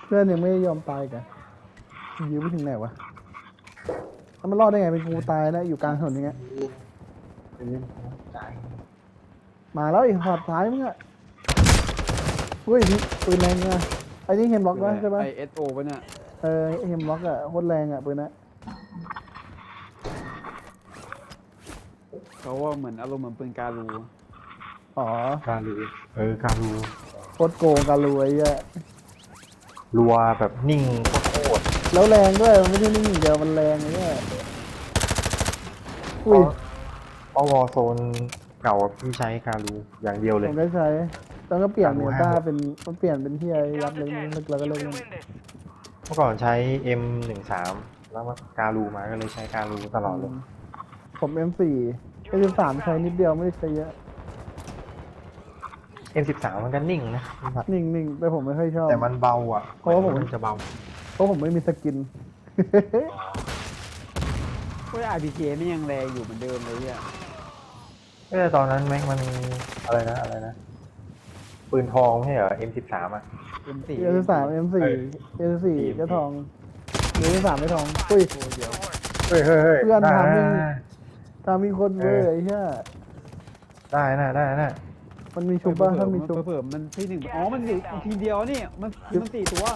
เพื่อนยังไม่ยอมตายกันยื้อไปถึงไหนวะแล้วมันรอดได้ไงเป็นกูตายนะอยู่กลางถนนอย่างเงี้ยมาแล้วอีกหอดท้ายมึงอะเฮ้ยนี่ปืนแรงอะไอ้นี่เฮมล็อกวะใช่ปะ ISO ป่ะเนี่ยเฮมล็อกอะโคตรแรงอะปืนนะเขาว่าเหมือนอารมณ์เหมือนปืนการูอ๋อการูการูโคตรโกงกันรวยอะรัวแบบนิ่งโคตรแล้วแรงด้วยมันไม่ใช่นิ่งอย่างเดียวมันแรงเลยเนี่ยอุ้ยเพราะวอลโซนเก่าพี่ใช้การูอย่างเดียวเลผยมได้ใช้แล้วก็เปลี่ยนการูเมห้าตาเป็นมันเปลี่ยนเป็นที่ไอ้ยับเลยลึกแล้วก็เล่นเมื่อก่อนใช้ M13 แล้วมาการูมาก็เลยใช้การูตลอดเลยผม M4 M13ใช้นิดเดียวไม่ได้ใช้เยอะ M13 มันก็นิ่งนะนิ่งๆแต่ผมไม่ค่อยชอบแต่มันเบาอ่ะเพราะว่าผมนจะเบาเพราะผมไม่มีสกินพวก RPG ไม่ยังแรงอยู่เหมือนเดิมเลยอ่ะแต่ตอนนั้นแม็กมันอะไรนะปืนทองไม่ใช่เหรอ M13 อ่ะ M4 M3 M4 M4 ก็ทองM3 ไม่ทองอุ้ยตัวเดียวเฮ้ยเพื่อนได้ทำมีนะมีคนเวอร์ไอ้เหี้ยได้นะมันมีชุบป่ะถ้ามีชุบเผื่อมันที่หนึ่งอ๋อมันอยู่ทีเดียวนี่มัน4 ตัว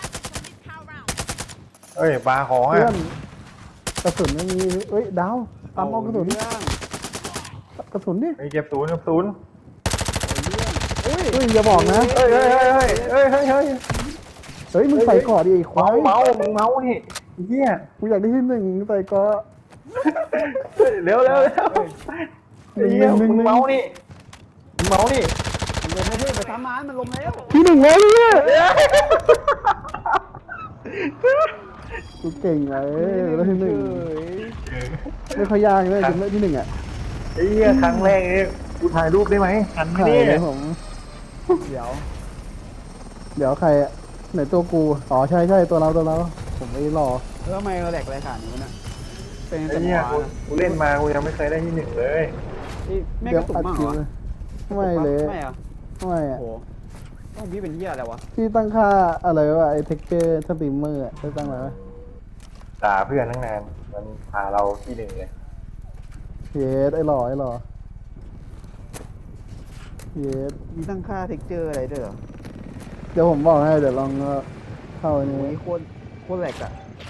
เอ้ยปลาของเพื่ออ่ะนกระสุนไม่มีเอ้ยดาวตามเอากระสุนเรื่องกระสุนนี่ไอ้เก็บศูนย์เฮ้ยเฮ้ยอย่าบอกนะเฮ้ยเฮ้ยมึงใส่ก่อดิไอ้ควายเมามึงเมานี่เฮียกูอยากได้ที่หนึ่งใส่ก่อเร็วไอ้เฮียมึงเมานี่มึงเมานี่มันลงไม่ได้ไปทำมันลงแล้วที่หนึ่งแล้วเนี่ยกูเก่งไงแล้วที่หนึ่งไม่ค่อยยากเลยถึงได้ที่หนึ่งอ่ะไอ้เฮียครั้งแรกนี่กูถ่ายรูปได้ไหมหันมาถ่ายดิเลยผมเดี๋ยวเดี๋ยวใครอ่ะไหนตัวกูอ๋อใช่ตัวเราผมไม่รอแล้วทำไมเราแหลกอะไรขนาดนี้วะเนี่ยเป็นไอ้แต่หเฮีมยอกูเล่นมากูยังไม่เคยได้ที่หนึ่งเลยแม่กระตุกมากเหรอไม่เลยไม่อะไม่โอ้อ่ะโหต้องพี่เป็นเหี้ยอะไรวะพี่ตั้งค่าอะไรวะไอ้เท็กเจอร์สตรีมเมอร์อ่ะได้ตั้งไว้ไหมด่าเพื่อนตั้งนานมันพาเราที่หนึ่งเลยเยสไอ้หล่อเยสมีตั้งค่าเท็กเจอร์อะไรด้วยเหรอเดี๋ยวผมบอกให้เดี๋ยวลองเข้าอันโอ้นี้ยโคตรแหลกอะ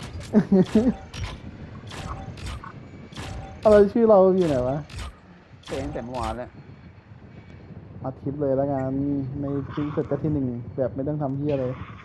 อะไรชื่อเราอยู่ไหนวะเป็นแต่เมื่อวานแล้วอาทิตย์เลยแล้วกันในที่สุดก็ที่หนึ่งแบบไม่ต้องทำเพี้ยเลย